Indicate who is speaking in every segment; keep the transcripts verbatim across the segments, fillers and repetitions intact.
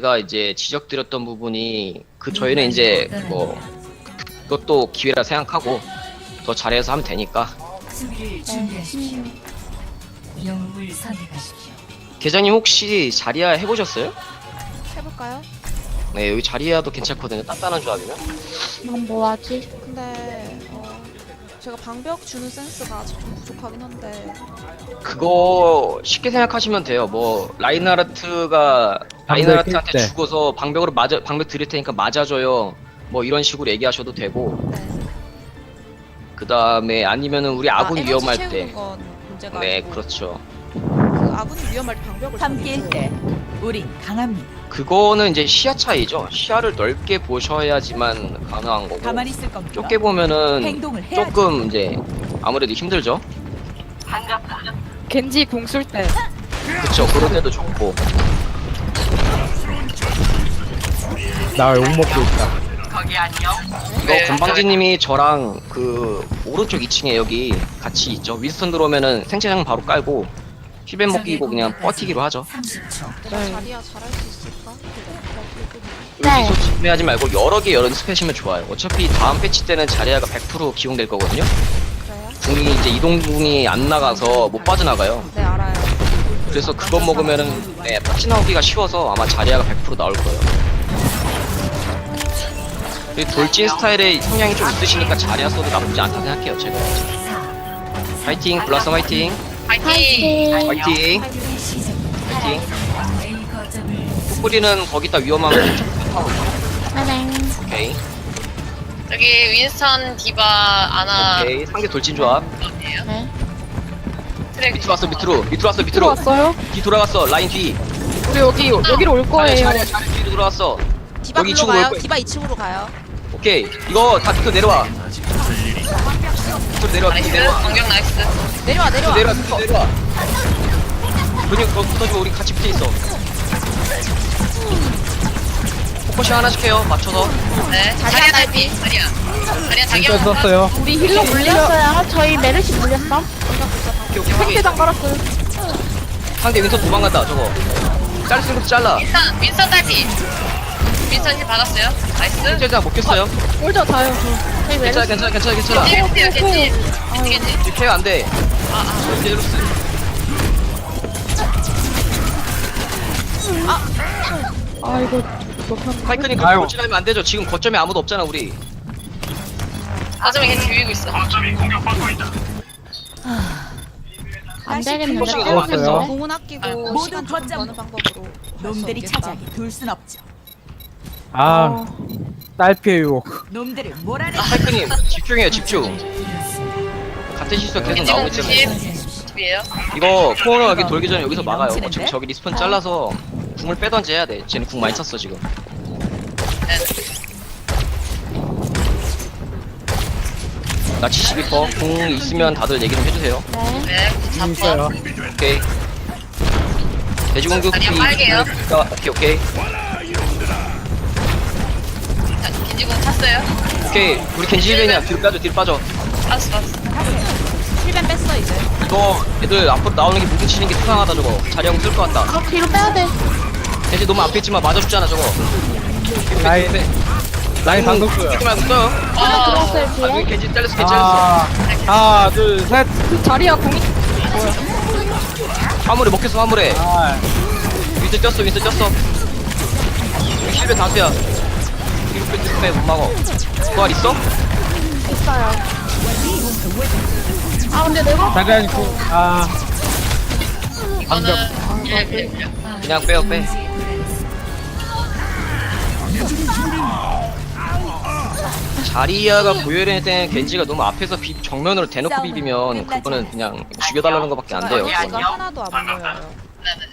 Speaker 1: 제가 이제 지적드렸던 부분이 그 저희는 이제 뭐 그것도 기회라 생각하고 더 잘해서 하면 되니까.
Speaker 2: 수비를 준비하십시오. 영웅을 선택하십시오.
Speaker 1: 계장님 혹시 자리야 해보셨어요?
Speaker 3: 해볼까요?
Speaker 1: 네, 여기 자리야도 괜찮거든요. 단단한 조합이면.
Speaker 4: 넌 뭐하지?
Speaker 3: 근데 어, 제가 방벽 주는 센스가 아직 좀 부족하긴 한데
Speaker 1: 그거 쉽게 생각하시면 돼요. 뭐 라인하르트가 라인하르트한테
Speaker 5: 때.
Speaker 1: 죽어서 방벽으로 맞아 방벽 드릴 테니까 맞아줘요. 뭐 이런 식으로 얘기하셔도 되고.
Speaker 3: 네.
Speaker 1: 그 다음에 아니면은 우리 아군
Speaker 3: 아, 에너지
Speaker 1: 위험할
Speaker 3: 채우는
Speaker 1: 때.
Speaker 3: 건 문제가
Speaker 1: 네,
Speaker 3: 아니고
Speaker 1: 그렇죠.
Speaker 3: 그 아군이 위험할 때 방벽을
Speaker 2: 함께일
Speaker 3: 잡는
Speaker 2: 때 우린 강합니다.
Speaker 1: 그거는 이제 시야 차이죠. 시야를 넓게 보셔야지만 가능한 거고.
Speaker 2: 가만히 있을 겁니다.
Speaker 1: 좁게 보면은
Speaker 2: 행동을 해야죠.
Speaker 1: 조금 이제 아무래도 힘들죠.
Speaker 4: 겐지 궁 쓸 때.
Speaker 1: 그쵸. 그럴 때도 좋고.
Speaker 5: 나 욕 먹고 있다.
Speaker 1: 이거 건방지님이 저랑 그 오른쪽 이 층에 여기 같이 있죠. 윈스턴 들어오면은 생체장 바로 깔고 힐벤 먹기고 그냥 버티기로 하죠.
Speaker 2: 삼십 초.
Speaker 3: 내가
Speaker 4: 네.
Speaker 3: 자리야 잘할 수 있을까?
Speaker 4: 네.
Speaker 1: 여기서 집중하지 말고 여러 개 연습하시면 좋아요. 어차피 다음 패치 때는 자리아가 백 퍼센트 기용될 거거든요.
Speaker 3: 그래요?
Speaker 1: 궁이 이제 이동궁이 안 나가서 못 빠져나가요.
Speaker 3: 네 알아요.
Speaker 1: 그래서 그것 먹으면은 네, 빠져나오기가 쉬워서 아마 자리아가 백 퍼센트 나올 거예요. 이 돌진 스타일의 성향이 좀 있으시니까 자리아 써도 나쁘지 않다 생각해요, 제가. 파이팅, 블라썸 화이팅,
Speaker 4: 파이팅.
Speaker 1: 화이팅, 화이팅.
Speaker 2: A 거점을
Speaker 1: 뿌리는 거기다 위험한 거
Speaker 4: 나랑.
Speaker 1: 오케이,
Speaker 6: 여기 윈스턴 디바 아나
Speaker 1: 오케이. 상대 돌진 조합.
Speaker 4: 네.
Speaker 6: 트랙
Speaker 1: 밑으로 왔어, 밑으로, 밑으로 왔어,
Speaker 4: 들어
Speaker 1: 밑으로.
Speaker 4: 왔어요?
Speaker 1: 뒤 돌아갔어, 라인 뒤.
Speaker 4: 우리 여기 여기로 올 거예요.
Speaker 1: 자리아, 자리아 뒤로 돌아왔어.
Speaker 3: 디바
Speaker 1: 여기
Speaker 3: 글로
Speaker 1: 이쪽으로 올
Speaker 3: 가요.
Speaker 1: 거예요.
Speaker 3: 디바 이 층으로 가요.
Speaker 1: 오케이, 이거 다 밑으로 내려와. 밑으로 내려와, 밑으로
Speaker 6: 나이스
Speaker 1: 내려와.
Speaker 6: 공격 나이스
Speaker 3: 내려와 내려와.
Speaker 1: 내려와, 밑으로 내려와. 근육 거 붙어주고 우리 같이 붙어 있어. 포커싱 하나씩 해요, 맞춰서.
Speaker 6: 네
Speaker 3: 자리야,
Speaker 6: 자리야
Speaker 3: 딸피.
Speaker 6: 딸피 자리야 자리야 자기야
Speaker 5: 진짜 썼어요.
Speaker 4: 우리 힐러 물렸어요. 저희 메르시 물렸어.
Speaker 1: 오케이, 오케이, 오케이.
Speaker 4: 상대장 깔았어요.
Speaker 1: 상대 윈선 도망간다, 저거. 자를 수 있는 것도 잘라.
Speaker 6: 윈스턴 윈스턴 딸피 윈스턴 힐 받았어요 나이스
Speaker 1: 힐자 못 꼈어요.
Speaker 4: 올자 다요. 저. 저희
Speaker 1: 괜찮아,
Speaker 4: 메르시.
Speaker 1: 괜찮아, 괜찮아, 괜찮아.
Speaker 6: 겐지 겐지 겐지 겐지
Speaker 1: 케어 안 돼.
Speaker 6: 아아
Speaker 1: 제로스.
Speaker 4: 아 이거 못한.
Speaker 1: 파이크님 그렇게 돌진하면 안 되죠. 지금 거점에 아무도 없잖아, 우리.
Speaker 6: 거점에 겐지 비비고 있어
Speaker 4: 안 되겠는데.
Speaker 1: 포커싱이
Speaker 5: 너무 안 됐어.
Speaker 3: 공은 아끼고
Speaker 2: 모두
Speaker 3: 시간 좀
Speaker 2: 거점.
Speaker 3: 버는 방법으로
Speaker 2: 놈들이 차지하게 둘 순 없죠.
Speaker 5: 아, 딸피의 유혹.
Speaker 2: 놈들을 몰아내.
Speaker 1: 파이크님 집중해요, 집중. 같은 실수가 계속
Speaker 6: 겐지
Speaker 1: 나오고
Speaker 6: 공
Speaker 1: 있잖아요.
Speaker 6: 구십 집이에요
Speaker 1: 이거 코너 여기 돌기 전에 여기서 막아요. 어차피 저기 리스폰 잘라서 궁을 빼던지 해야 돼. 쟤는 궁 많이 썼어 지금.
Speaker 6: 네.
Speaker 1: 나 칠십이 퍼센트 궁 있으면 다들 얘기 좀 해주세요.
Speaker 4: 네.
Speaker 6: 네
Speaker 5: 음, 있어요.
Speaker 1: 오케이. 돼지공격
Speaker 6: 아니요, 빨개요.
Speaker 1: 오케이 오케이
Speaker 6: 자, 겐지 공 탔어요
Speaker 1: 오케이. 우리 겐지 힐벤이야. 뒤로 빠져 뒤로 빠져.
Speaker 6: 빠졌어 빠졌어
Speaker 3: 힐벤 뺐어 이제.
Speaker 1: 이거 애들 앞으로 나오는 게 무기 치는 게 수상하다 저거. 자리하고 쓸 것 같다.
Speaker 4: 아 뒤로 빼야 돼.
Speaker 1: 겐지 너무 앞에 있지만 맞아주잖아 저거.
Speaker 5: 라인, 라인 방금
Speaker 1: 쓰지
Speaker 5: 써요.
Speaker 1: 말고 써요.
Speaker 4: 하나 들어왔어요
Speaker 1: 아 여기
Speaker 4: 뒤에.
Speaker 1: 겐지 잘렸어 겐지 잘렸어.
Speaker 5: 아, 하나, 둘, 셋.
Speaker 4: 자리야 궁이.
Speaker 1: 화물에 먹혔어 화물에.
Speaker 5: 아,
Speaker 1: 윈스 쪘어 윈스 쪘어. 여기 힐벤 다수야. 뒤로 빼 뒤로 빼못 막어. 부활 있어?
Speaker 4: 있어요. 아 근데 내가
Speaker 5: 잠깐, 그, 아,
Speaker 6: 이거는 예, 예, 예.
Speaker 1: 그냥 빼요 빼. 자리아가 보여야 때는 겐지가 너무 앞에서 비, 정면으로 대놓고 비비면 그거는 그냥 죽여달라는 것밖에 안 돼요.
Speaker 3: 에너지가
Speaker 1: 그거는.
Speaker 3: 하나도 안 보여요.
Speaker 6: 네네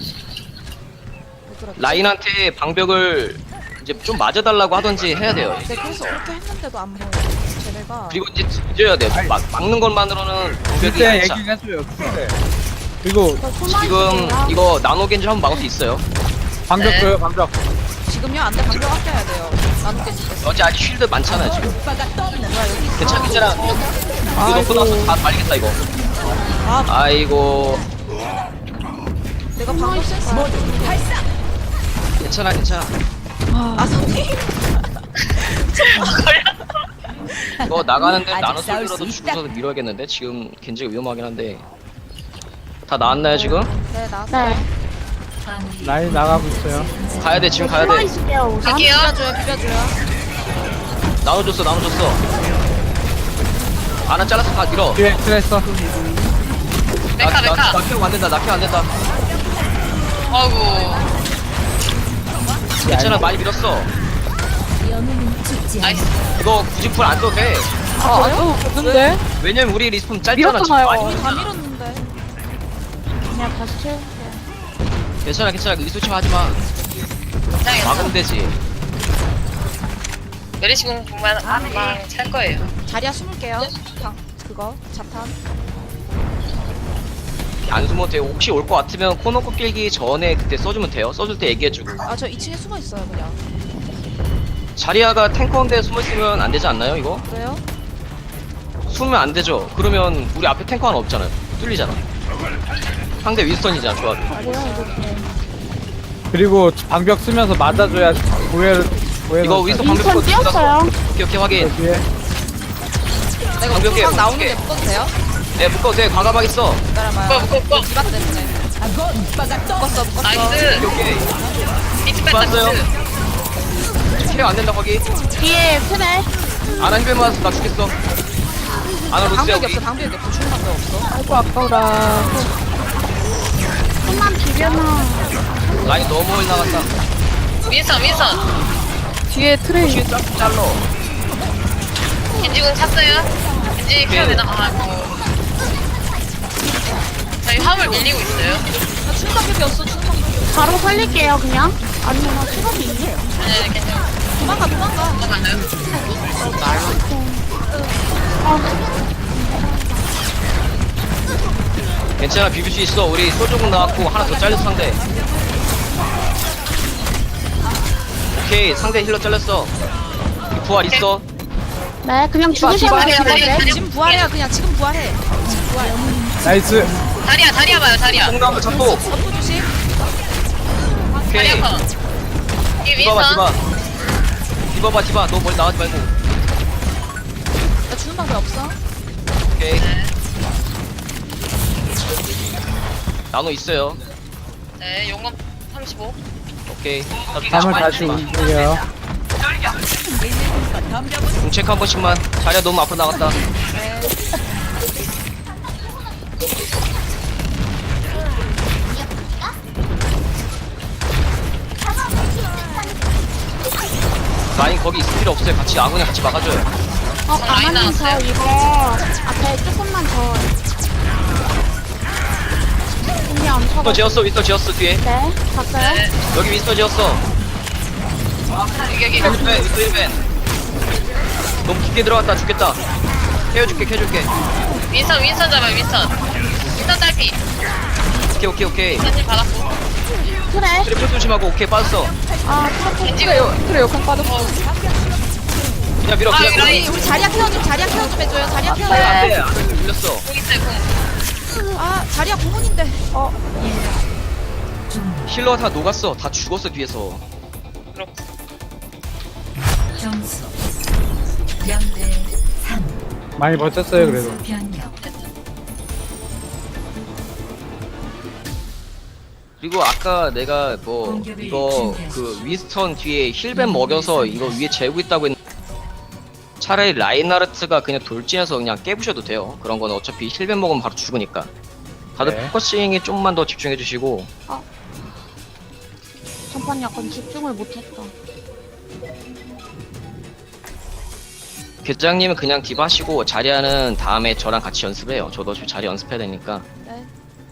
Speaker 3: 왜 그렇지?
Speaker 1: 라인한테 방벽을 이제 좀 맞아달라고 하던지 해야 돼요.
Speaker 3: 네 그래서 그렇게 했는데도 안 보여. 쟤네가
Speaker 1: 그리고 이제 뒤져야 돼요. 막, 막는 것만으로는 방벽이
Speaker 5: 그때
Speaker 1: 안 차.
Speaker 5: 얘기해줘요, 그때. 그리고
Speaker 1: 지금 이거 나노 겐지 한번 막을 수 있어요.
Speaker 5: 방벽
Speaker 6: 네.
Speaker 5: 줘요, 방벽.
Speaker 3: 지금요 안돼 방벽 아껴야 돼요. 나누게 됐어.
Speaker 1: 어제 아직 쉴드 많잖아요 지금.
Speaker 3: 뭐야 여기
Speaker 1: 괜찮아 괜찮아. 이거 놓고 나서 다 말리겠다 이거.
Speaker 3: 아
Speaker 1: 아이고
Speaker 3: 내가 방금 센스.
Speaker 1: 괜찮아 괜찮아.
Speaker 3: 아 선생님.
Speaker 1: 이거 나가는데
Speaker 2: 아직
Speaker 1: 나눠
Speaker 2: 싸울
Speaker 1: 솔로라도
Speaker 2: 수 있다.
Speaker 1: 죽어서 밀어야겠는데 지금 겐지가 위험하긴 한데. 다 나왔나요 지금?
Speaker 3: 네 나왔어요.
Speaker 4: 네.
Speaker 5: 라인 나가고 있어요.
Speaker 1: 가야 돼 지금 가야
Speaker 4: 숨어
Speaker 1: 돼.
Speaker 4: 있을게요, 우선.
Speaker 6: 갈게요.
Speaker 3: 비벼줘요 비벼줘요.
Speaker 1: 나눠줬어 나눠줬어. 하나 잘라서 다 밀어.
Speaker 5: 뒤에 트레이서.
Speaker 6: 메카 메카.
Speaker 1: 나 키워 안 된다 나 키워 안 된다.
Speaker 6: 어이구.
Speaker 1: 괜찮아 많이 밀었어.
Speaker 6: 나이스.
Speaker 1: 이거 굳이 풀 안 써도 돼.
Speaker 4: 아, 안 없는데?
Speaker 1: 왜냐면 우리 리스폰 짧잖아.
Speaker 4: 밀었잖아요.
Speaker 1: 지금 많이
Speaker 3: 다 밀었는데.
Speaker 4: 그냥 다시 채울게요.
Speaker 1: 괜찮아 괜찮아 의소치 하지 마.
Speaker 6: 괜찮아요.
Speaker 1: 막으면 되지.
Speaker 6: 메리시공 정말 한방 찰 거예요.
Speaker 3: 자리야 숨을게요. 방 그거 자탄.
Speaker 1: 안 숨어도 돼요. 혹시 올 것 같으면 코너코 끼기 전에 그때 써주면 돼요. 써줄 때 얘기해주고.
Speaker 3: 아 저 이 층에 숨어 있어요 그냥.
Speaker 1: 자리아가 탱커인데 숨어있으면 안 되지 않나요 이거?
Speaker 3: 왜요?
Speaker 1: 숨으면 안 되죠. 그러면 우리 앞에 탱커 하나 없잖아요. 뚫리잖아. 상대 윈스턴이잖아 조합이.
Speaker 4: 뭐야, 이렇게.
Speaker 5: 그리고 방벽 쓰면서 맞아줘야 고해를 고해를.
Speaker 1: 이거 윈스턴 방벽
Speaker 4: 윈스턴 뛰었어요.
Speaker 1: 오케이 오케이 확인.
Speaker 5: 뒤에.
Speaker 3: 내가
Speaker 1: 방벽에
Speaker 3: 우방 나오는데
Speaker 1: 묶을게.
Speaker 3: 묶어도 돼요?
Speaker 1: 네 묶어도 돼. 과감하게 써.
Speaker 3: 기다려봐요.
Speaker 6: 묶어, 묶어, 묶어.
Speaker 3: 디바 때문에. 묶었어 묶었어.
Speaker 6: 나이스.
Speaker 1: 오케이 오케이.
Speaker 6: 비트 뺐다
Speaker 1: 봤어요?
Speaker 6: 비트.
Speaker 1: 킬이 안 된다 거기.
Speaker 4: 뒤에 트네.
Speaker 1: 아나 힐벤 맞았어. 나 죽겠어. 아나 로스야
Speaker 3: 방벽이
Speaker 1: 우리.
Speaker 3: 없어 방벽이 없어. 죽는 방벽 없어.
Speaker 4: 아이고, 아까워라. 좀만 비벼놔.
Speaker 1: 라인 너무 멀리 나갔다.
Speaker 6: 윈선 윈선.
Speaker 4: 뒤에 트레이.
Speaker 1: 뒤에 짤 잘러.
Speaker 6: 겐지공 찼어요. 겐지 케어 되나? 아이고. 저희 화물 밀리고 있어요.
Speaker 3: 나 죽는 방벽이 없어. 죽는 방벽.
Speaker 4: 바로 살릴게요, 그냥. 아니면 나 시간이 있네.
Speaker 6: 아니 아니 겐지
Speaker 3: 도망가 도망가.
Speaker 6: 넘어가나요?
Speaker 1: 괜찮아 비빌 수 있어. 우리 소조공 나왔고 하나 더 잘렸어 상대. 오케이 상대 힐러 잘렸어. 부활 있어.
Speaker 4: 네, 그냥 죽으셔도
Speaker 3: 디바
Speaker 4: 돼요,
Speaker 6: 디바,
Speaker 4: 네.
Speaker 6: 디바.
Speaker 3: 지금 부활해요 그냥 지금 부활해. 지금 부활.
Speaker 5: 나이스.
Speaker 6: 다리야 다리야 봐요 다리야.
Speaker 1: 공나무 잡고.
Speaker 3: 버프 주심.
Speaker 1: 오케이.
Speaker 6: 다리야 커. 이
Speaker 1: 디바봐
Speaker 6: 윈선.
Speaker 1: 디바. 디바봐 디바. 너 멀리 나가지 말고.
Speaker 3: 나 죽는 방벽 없어.
Speaker 1: 오케이.
Speaker 6: 네.
Speaker 1: 나노 있어요.
Speaker 6: 네 용검 삼십오.
Speaker 1: 오케이.
Speaker 5: 밤을 다시 움직여요.
Speaker 1: 공책 한 번씩만. 자리야 너무 앞으로 나갔다. 라인 거기 있을 필요 없어요. 같이 아군이 같이 막아줘요.
Speaker 4: 어,
Speaker 6: 라인
Speaker 4: 가만히 저
Speaker 6: 나왔어요?
Speaker 4: 이거 앞에 조금만 더. 그냥 안
Speaker 1: 윈스터
Speaker 4: 쳐봐.
Speaker 1: 지었어. 윈스터 지었어 뒤에.
Speaker 4: 네, 봤어요?
Speaker 6: 네.
Speaker 1: 여기 윈스터 지었어.
Speaker 6: 여기 여기.
Speaker 1: 힐벤 윈스터 힐벤. 너무 깊게 들어갔다. 죽겠다. 캐어줄게 캐줄게.
Speaker 6: 윈선 윈선 잡아요 윈선. 윈선 딸피.
Speaker 1: 오케이 오케이 오케이.
Speaker 6: 윈선님 받았고.
Speaker 4: 그래.
Speaker 1: 트리플 조심하고. 오케이 빠졌어.
Speaker 4: 아, 트래픽.
Speaker 6: 겐지가
Speaker 4: 그래, 욕한 빠졌어.
Speaker 1: 그냥 밀어
Speaker 6: 아,
Speaker 1: 그냥
Speaker 6: 여기
Speaker 1: 밀어.
Speaker 6: 라인.
Speaker 3: 우리 자리야 케어 좀 자리야 케어 좀 해줘요. 자리야 케어.
Speaker 1: 안돼 안돼 밀렸어.
Speaker 6: 공 있어요 공.
Speaker 3: 아 자리야 공원인데. 어.
Speaker 1: 힐러 다 녹았어. 다 죽었어 뒤에서.
Speaker 6: 그렇고.
Speaker 2: 점수 영 대 삼.
Speaker 5: 많이 버텼어요 그래도.
Speaker 2: 변경.
Speaker 1: 그리고 아까 내가 뭐 이거 그 윈스턴 뒤에 힐벤 먹여서 이거 위에 재고 있다고 했는데 차라리 라인하르트가 그냥 돌진해서 그냥 깨부셔도 돼요. 그런 거는 어차피 힐벤 먹으면 바로 죽으니까. 다들
Speaker 5: 네.
Speaker 1: 포커싱에 좀만 더 집중해 주시고.
Speaker 4: 전판 약간 집중을 못했다.
Speaker 1: 계장님은 그냥 디바 하시고 자리하는 다음에 저랑 같이 연습해요. 저도 어차피 자리 연습해야 되니까.
Speaker 3: 네.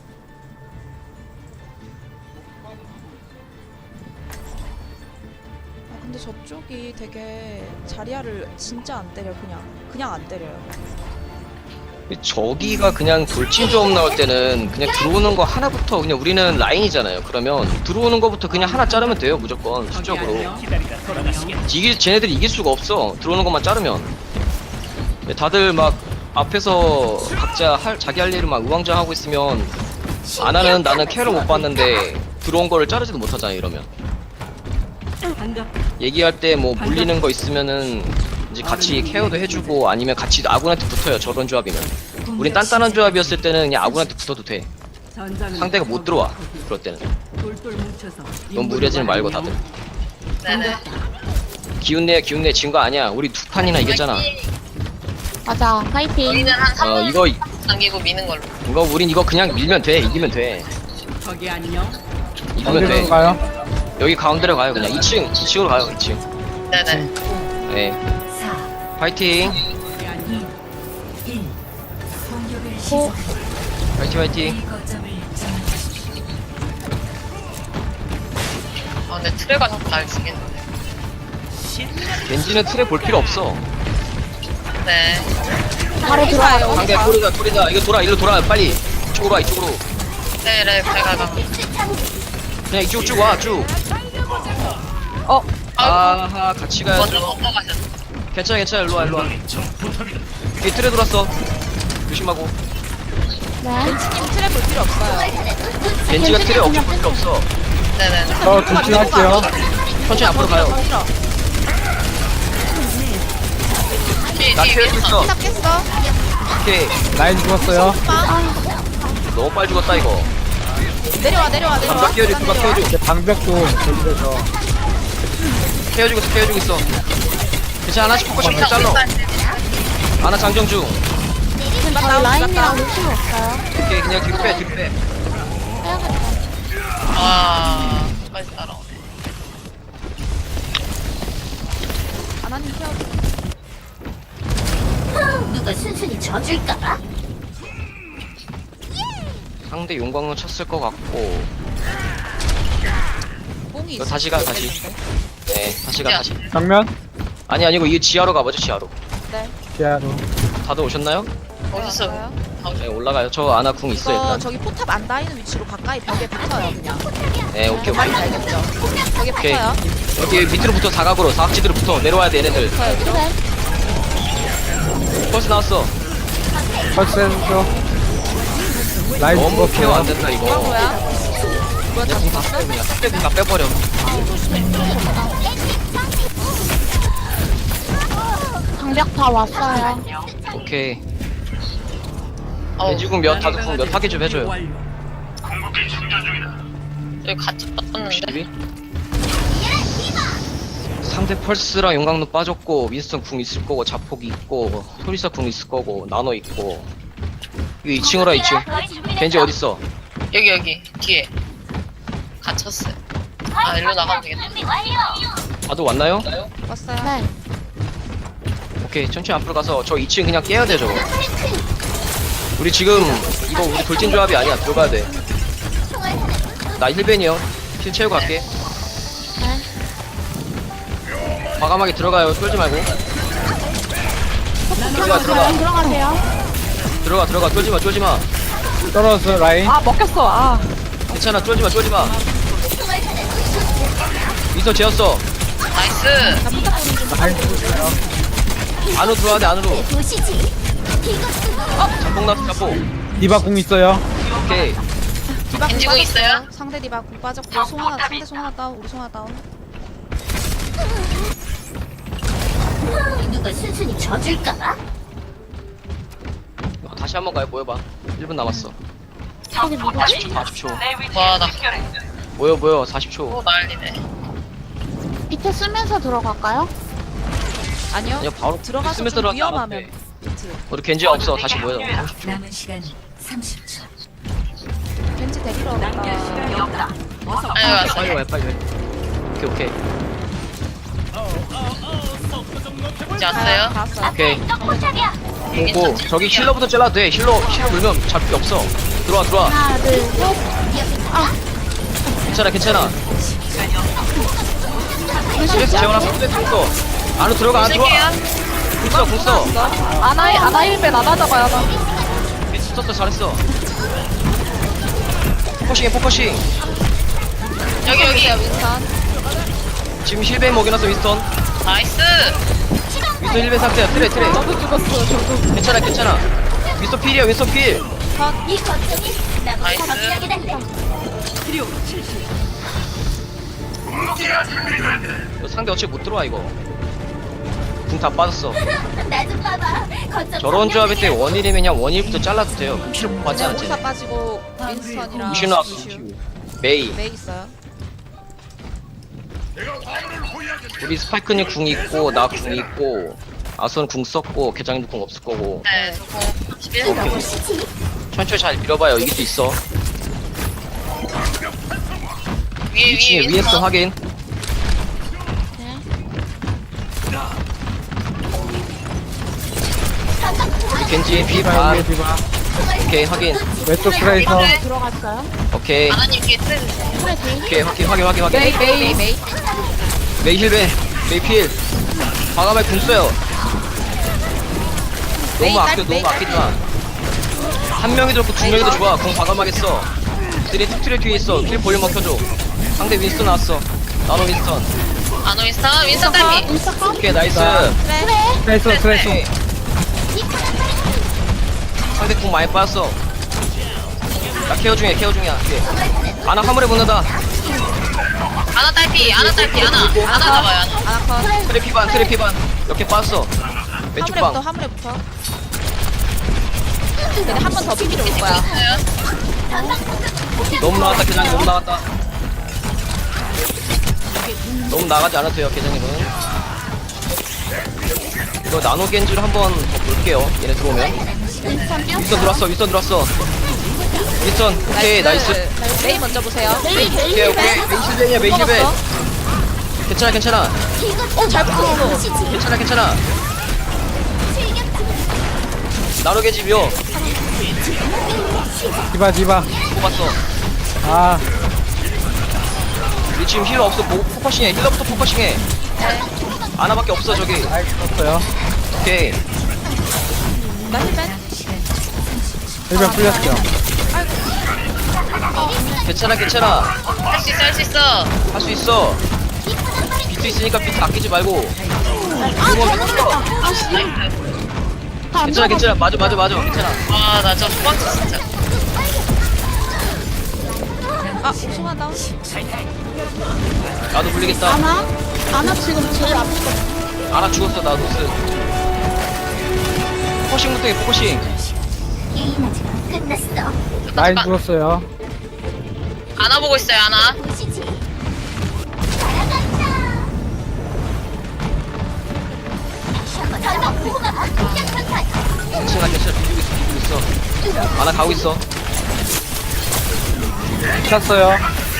Speaker 3: 아 근데 저쪽이 되게 자리야를 진짜 안 때려 그냥 그냥 안 때려요.
Speaker 1: 저기가 그냥 돌진 조합 나올 때는 그냥 들어오는 거 하나부터 그냥 우리는 라인이잖아요. 그러면 들어오는 거부터 그냥 하나 자르면 돼요. 무조건 수적으로. 이길 쟤네들이 이길 수가 없어. 들어오는 것만 자르면. 다들 막 앞에서 각자 할 자기 할 일을 막 우왕좌왕하고 있으면 안 하는 나는 캐를 못 봤는데 들어온 거를 자르지도 못하잖아 이러면. 얘기할 때 뭐 물리는 거 있으면은 이제 같이 케어도 해주고 아니면 같이 아군한테 붙어요. 저런 조합이면. 우린 단단한 조합이었을 때는 그냥 아군한테 붙어도 돼. 상대가 못 들어와. 그럴 때는. 너무 무리하지 말고 다들.
Speaker 6: 네네.
Speaker 1: 기운내 기운내 진 거 아니야. 우리 두 판이나 이겼잖아.
Speaker 4: 맞아. 파이팅.
Speaker 6: 우리는 한 삼
Speaker 1: 어
Speaker 6: 분
Speaker 1: 이거
Speaker 6: 남기고 미는 걸로.
Speaker 1: 이거 우린 이거 그냥 밀면 돼. 이기면 돼. 이기면
Speaker 5: 어디로
Speaker 1: 돼.
Speaker 5: 가요?
Speaker 1: 여기 가운데로 가요. 그냥 이 층 이 층으로 가요. 이 층.
Speaker 6: 네네.
Speaker 1: 네.
Speaker 2: 사,
Speaker 1: 파이팅.
Speaker 2: 일. 공격을
Speaker 4: 오.
Speaker 2: 시작합니다.
Speaker 1: 파이팅 파이팅.
Speaker 2: A 거점을 점령하십시오.
Speaker 6: 아 근데 트레가 자꾸 날 죽이는데.
Speaker 1: 겐지는 틀에 볼 필요 없어.
Speaker 6: 네.
Speaker 4: 바로 들어가요.
Speaker 1: 상대 돌이다 돌이다. 이거 돌아 일로 돌아 빨리. 이쪽으로 와 이쪽으로.
Speaker 6: 네네. 갈갈갈.
Speaker 1: 그냥 이쪽 쭉 와 쭉.
Speaker 4: 어.
Speaker 1: 아하 같이 가야죠.
Speaker 6: 먼저 넘어가셨어.
Speaker 1: 괜찮아 괜찮아 일로 와 일로 와. 뒤에 틀에 돌았어. 조심하고.
Speaker 4: 네.
Speaker 3: 트랩 볼 필요 없어요.
Speaker 1: 겐지가 틀에 없을 필요 없어.
Speaker 6: 네네네.
Speaker 5: 저 돌진할게요.
Speaker 1: 천천히 앞으로 가요.
Speaker 3: 밀어.
Speaker 6: 뒤에
Speaker 1: 나
Speaker 6: 뒤에
Speaker 1: 케어
Speaker 6: 위에서.
Speaker 1: 있어.
Speaker 3: 딱 깼어.
Speaker 1: 오케이.
Speaker 5: 라인 죽었어요.
Speaker 1: 너무 빨리 죽었다 이거.
Speaker 3: 내려와 내려와 내려와.
Speaker 1: 누가 케어줘 누가 케어줘.
Speaker 5: 이제 방벽도 돌려서.
Speaker 1: 케어주고 있어 케어주고 있어. 괜찮아 하나씩 포커싱
Speaker 6: 자,
Speaker 1: 잘라.
Speaker 6: 우리
Speaker 1: 하나 장정 중.
Speaker 4: 저희 라인이랑 루시오 없어요.
Speaker 1: 오케이 그냥 뒤로 빼 뒤로 빼.
Speaker 6: 아, 빨리 따라오네.
Speaker 3: 아나님 케어.
Speaker 2: 누가 순순히 져줄까봐?
Speaker 1: 상대 용광로 쳤을 것 같고.
Speaker 3: 뽕이
Speaker 1: 이거
Speaker 3: 있어.
Speaker 1: 다시 가 다시. 네 다시 가 다시.
Speaker 5: 정면?
Speaker 1: 아니 아니고 이 지하로 가보죠 지하로.
Speaker 3: 네.
Speaker 5: 지하로.
Speaker 1: 다들 오셨나요?
Speaker 6: 어디서?
Speaker 3: 왔어요?
Speaker 1: 네 올라가요. 저 아나 궁 있어
Speaker 3: 이거
Speaker 1: 일단.
Speaker 3: 저기 포탑 안 닿이는 위치로 가까이 벽에 붙어요 그냥.
Speaker 1: 네 오케이
Speaker 3: 말이
Speaker 1: 오케이.
Speaker 3: 알겠죠? 벽에
Speaker 1: 오케이.
Speaker 3: 붙어요.
Speaker 1: 여기 밑으로 붙어 사각으로 사각지대로 붙어 내려와야 돼 얘네들.
Speaker 3: 붙어요. 밑으로.
Speaker 4: 그래.
Speaker 1: 벌써 나왔어.
Speaker 5: 터치해줘. 라인
Speaker 1: 너무 케어 안
Speaker 5: 죽었어요.
Speaker 1: 된다 이거.
Speaker 3: 뭐야? 뭐야 다
Speaker 1: 궁다
Speaker 3: 죽었어?
Speaker 1: 빼 그냥 빼 그냥 빼버려.
Speaker 4: 방벽 다 왔어요.
Speaker 1: 오케이.
Speaker 6: 어우,
Speaker 1: 돼지궁 몇 다섯 궁몇 타기 좀 해줘요.
Speaker 6: 여기 같이 떴는데.
Speaker 1: 십이? 상대 펄스랑 용광로 빠졌고 윈스턴 궁 있을 거고 자폭이 있고 소리사 궁 있을 거고 나노 있고. 이거 이 층으로 이 층. 겐지 어딨어?
Speaker 6: 여기 여기 뒤에 갇혔어요. 아 일로 나가면 되겠다.
Speaker 1: 다들 왔나요?
Speaker 3: 왔어요.
Speaker 4: 네.
Speaker 1: 오케이 천천히 앞으로 가서 저 이 층 그냥 깨야 돼 저거. 우리 지금 이거 우리 돌진 조합이 아니야 들어가야 돼. 나 힐벤이요. 힐 채우고 갈게.
Speaker 4: 네.
Speaker 1: 과감하게 들어가요. 쫄지 말고. 들어가 들어가
Speaker 4: 라인 들어가세요.
Speaker 1: 들어가 들어가 쫄지 마 쫄지 마.
Speaker 5: 떨어졌어 라인.
Speaker 4: 아 먹혔어. 아.
Speaker 1: 괜찮아 쫄지 마 쫄지 마. 미스터 재웠어.
Speaker 6: 나이스.
Speaker 5: 라인 죽었어요.
Speaker 1: 안으로 들어와야 돼 안으로. 어 자폭 나왔어 자폭.
Speaker 5: 디바 궁 있어요.
Speaker 1: 오케이.
Speaker 3: 디바 궁
Speaker 6: 겐지궁 있어요?
Speaker 3: 빠졌어요. 상대 디바 궁 빠졌고 송하나 상대 송하나 다운 우리 송하나 다운.
Speaker 2: 누가 순순히 져줄까봐?
Speaker 1: 어, 다시 한번 가요 모여봐. 일 분 남았어.
Speaker 4: 저기 누구?
Speaker 1: 사십 초 사십 초.
Speaker 6: 와나
Speaker 1: 모여 모여 사십 초.
Speaker 6: 또 난리네.
Speaker 4: 밑에 쓰면서 들어갈까요?
Speaker 3: 아니요.
Speaker 1: 그냥 바로
Speaker 3: 들어가서
Speaker 1: 쓰면서
Speaker 3: 좀
Speaker 1: 들어가면
Speaker 3: 위험하면
Speaker 1: 돼.
Speaker 3: 비트.
Speaker 1: 우리 겐지 없어 다시 모여.
Speaker 2: 남은 시간 삼십 초.
Speaker 3: 겐지 데리러 온다.
Speaker 6: 아유 왔어.
Speaker 1: 빨리 와요 빨리 와요. 오케이 오케이
Speaker 6: 이제 왔어요?
Speaker 3: 다 왔어요.
Speaker 1: 오케이. 오고 저기 힐러부터 잘라도 돼. 힐러 힐러 물면 잡을 게 없어. 들어와 들어와.
Speaker 4: 하나, 둘, 셋.
Speaker 1: 괜찮아 괜찮아. 스트레스 재워놔 스트레스 있어. 안으로 들어가 안 들어와.
Speaker 6: 쓸게요.
Speaker 1: 궁써 궁써.
Speaker 4: 아나이 아나 힐벤 안 하다가 아나.
Speaker 1: 미스 썼어 잘했어. 포커싱해 포커싱.
Speaker 6: 여기 여기.
Speaker 3: 윈선.
Speaker 1: 지금 힐벤 먹여놨어 윈스턴.
Speaker 6: 나이스.
Speaker 1: 윈스턴 힐벤 상태야. 트레 트레.
Speaker 4: 저도 죽었어. 저도.
Speaker 1: 괜찮아 괜찮아. 윈스턴 필이야 윈스턴 필.
Speaker 2: 이 거점이 나보다
Speaker 6: 나이스.
Speaker 2: 더 강하게 달래.
Speaker 1: 이거 상대 어차피 못 들어와 이거. 궁 다 빠졌어.
Speaker 2: 나 좀 봐봐. 거점
Speaker 1: 저런 조합일 때 원일이면 그냥 원일부터 잘라도 돼요. 그럼 필요 못 받지
Speaker 3: 네,
Speaker 1: 않지.
Speaker 3: 오사 빠지고 윈스턴이랑
Speaker 1: 루시우 나왔어.
Speaker 3: 루시우.
Speaker 1: 메이.
Speaker 3: 메이 있어요.
Speaker 1: 우리 스파이크님 궁 있고 나 궁 있고 아선 궁 썼고 계장님도 궁 없을 거고.
Speaker 6: 네, 저거 십일.
Speaker 1: 오케이. 천천히 잘 밀어봐요. 이길 수 있어.
Speaker 6: 위에
Speaker 1: 이 층에
Speaker 6: 위에
Speaker 1: 위에서
Speaker 6: 윈스턴.
Speaker 1: 확인. 우리 겐지
Speaker 5: 디바
Speaker 1: 비반.
Speaker 5: 위에 디바.
Speaker 1: 오케이 확인.
Speaker 5: 왼쪽 트레이서.
Speaker 6: 네.
Speaker 4: 들어갔어요.
Speaker 1: 오케이.
Speaker 6: 아나님 뒤에 트레.
Speaker 4: 그래, 제이.
Speaker 1: 오케이 확인 확인 확인 확인.
Speaker 3: 메이 메이 메이.
Speaker 1: 메이 힐베. 메이 필. 과감하게 궁 써요. 너무
Speaker 3: 메이
Speaker 1: 아껴
Speaker 3: 딸,
Speaker 1: 너무
Speaker 3: 메이
Speaker 1: 아끼지 마. 한 명이 들었고 두 명이 더 좋아. 궁 과감하게 써. 들이 툭트레 뒤에 있어. 킬 볼륨 먹혀줘. 상대 윈스턴 나왔어. 나노 윈스턴.
Speaker 6: 아노 윈스턴. 윈스턴 딸피.
Speaker 4: 인스타 컷.
Speaker 1: 오케이 나이스.
Speaker 3: 그래.
Speaker 5: 트레이서 트레이서.
Speaker 1: 오케이. 상대 궁 많이 빠졌어. 나 케어 중이야 케어 중이야. 오케이. 아나 화물에 붙는다.
Speaker 6: 아나 딸피. 아나 딸피. 아나. 아나 잡아요. 아나.
Speaker 3: 아나컷.
Speaker 1: 트레 피반 트레 피반. 이렇게 빠졌어. 왼쪽
Speaker 3: 화물에부터
Speaker 1: 방.
Speaker 3: 화물에부터. 근데 한 번 더 비비러 올 거야.
Speaker 6: 있어요?
Speaker 1: 너무 나갔다 계장님 너무 나갔다. 너무 나가지 않아도 돼요 계장님은. 이거 나노 겐지를 한번 더 볼게요. 얘네 들어오면.
Speaker 4: 인스타 뛰었어.
Speaker 1: 윈스턴 들어왔어 윈스턴 들어왔어. 윈스턴 오케이 나이스.
Speaker 3: 메이 먼저 보세요. 메이 메이
Speaker 1: 오케이 오케이 메이 실벤이야 메이 실벤. 괜찮아 괜찮아
Speaker 3: 어잘 붙었어.
Speaker 1: 괜찮아 괜찮아. 나노 겐지 묘
Speaker 5: 디바 디바.
Speaker 1: 뽑았어.
Speaker 5: 아
Speaker 1: 우리 지금 힐러 없어. 뭐, 포커싱해 힐러부터 포커싱해. 아나밖에 없어 저기.
Speaker 5: 라인 썼어요.
Speaker 1: 오케이
Speaker 3: 나 힐벤.
Speaker 5: 일변 풀렸어요.
Speaker 1: 괜찮아 괜찮아.
Speaker 6: 할 수 있어. 할 수 있어.
Speaker 1: 할 수 있어. 비트 있으니까 비트 아끼지 말고.
Speaker 4: 아,
Speaker 1: 이거
Speaker 4: 잘못
Speaker 1: 미쳤어.
Speaker 6: 나이스.
Speaker 1: 괜찮아 괜찮아 맞아 맞아 맞아 괜찮아.
Speaker 6: 아, 나 저 소방차 진짜.
Speaker 3: 아 소환 다운.
Speaker 1: 나도 불리겠다.
Speaker 4: 아나? 아나 지금 제일 앞에 있어.
Speaker 1: 아나 죽었어 나도 쓰. 포커싱부터 해 포커싱.
Speaker 2: 게임 아직 안 끝났어.
Speaker 5: 라인
Speaker 6: 잠깐.
Speaker 5: 죽었어요.
Speaker 6: 아나 보고 있어요. 아나.
Speaker 2: 보시지. 날아간다. 보고 가.
Speaker 1: 괜찮아 괜찮아 비비고 있어 비비고 있어. 아나 가고 있어.
Speaker 5: 찼어요.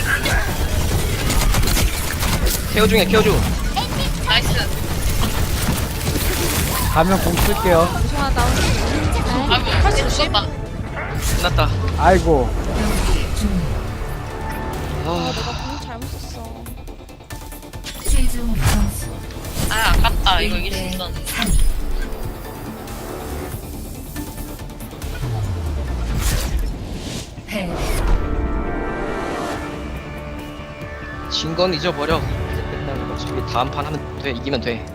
Speaker 1: 케어 중이야 케어 중.
Speaker 6: 나이스.
Speaker 5: 가면 공 쓸게요.
Speaker 3: 소환 다운.
Speaker 6: 아이고, 할수 없었다.
Speaker 1: 끝났다.
Speaker 5: 아이고.
Speaker 1: 아
Speaker 3: 내가 공을 잘못 썼어.
Speaker 2: 최종 점수
Speaker 6: 아, 아깝다. 이거 이길 수 있었는데.
Speaker 2: 패.
Speaker 1: 진 건 잊어버려. 이제 끝나는 거지. 우리 다음 판 하면 돼 이기면 돼.